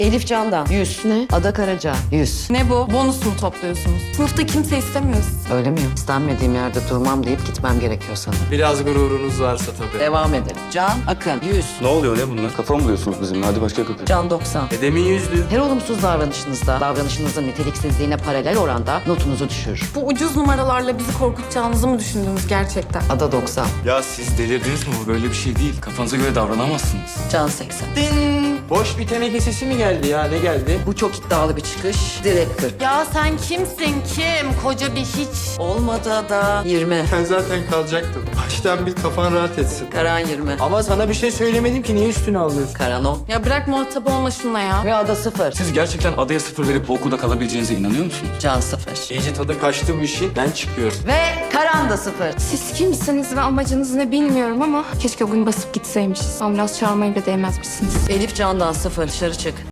Elif Can'dan 100. Ne? Ada Karaca 100. Ne bu? Bonus mu topluyorsunuz? Sınıfta kimse istemiyor sizi. Öyle mi? İstenmediğim yerde durmam deyip gitmem gerekiyor sanırım. Biraz gururunuz varsa tabii. Devam edelim. Can Akın 100. Ne oluyor ne bunlar? Kafa mı buluyorsunuz bizimle? Hadi başka kapı. Can 90. Demin 100'lü. Her olumsuz davranışınızın niteliksizliğine paralel oranda notunuzu düşürür. Bu ucuz numaralarla bizi korkutacağınızı mı düşündünüz gerçekten? Ada 90. Ya siz delirdiniz mi? Bu böyle bir şey değil. Kafanıza göre davranamazsınız. Can 80. Boş bir teneke sesi mi geldi ya? Ne geldi? Bu çok iddialı bir çıkış. Direkt 40. Ya sen kimsin kim? Koca bir hiç. Olmadı Ada. 20. Ben zaten kalacaktım. Baştan bir kafan rahat etsin. Karan 20. Ama sana bir şey söylemedim ki niye üstüne alıyorsun? Karan 10. Ya bırak muhatap olma şununla ya. Ve Ada 0. Siz gerçekten adaya 0 verip bu okulda kalabileceğinize inanıyor musunuz? Can 0. İyice tadı kaçtı bu işin. Ben çıkıyorum. Ve Karan da 0. Siz kimsiniz ve amacınız ne bilmiyorum ama keşke o gün basıp gitseymişiz. Ambulans çağırmaya bile değmezmişsiniz. Elif Can'dan 0. Dışarı çık.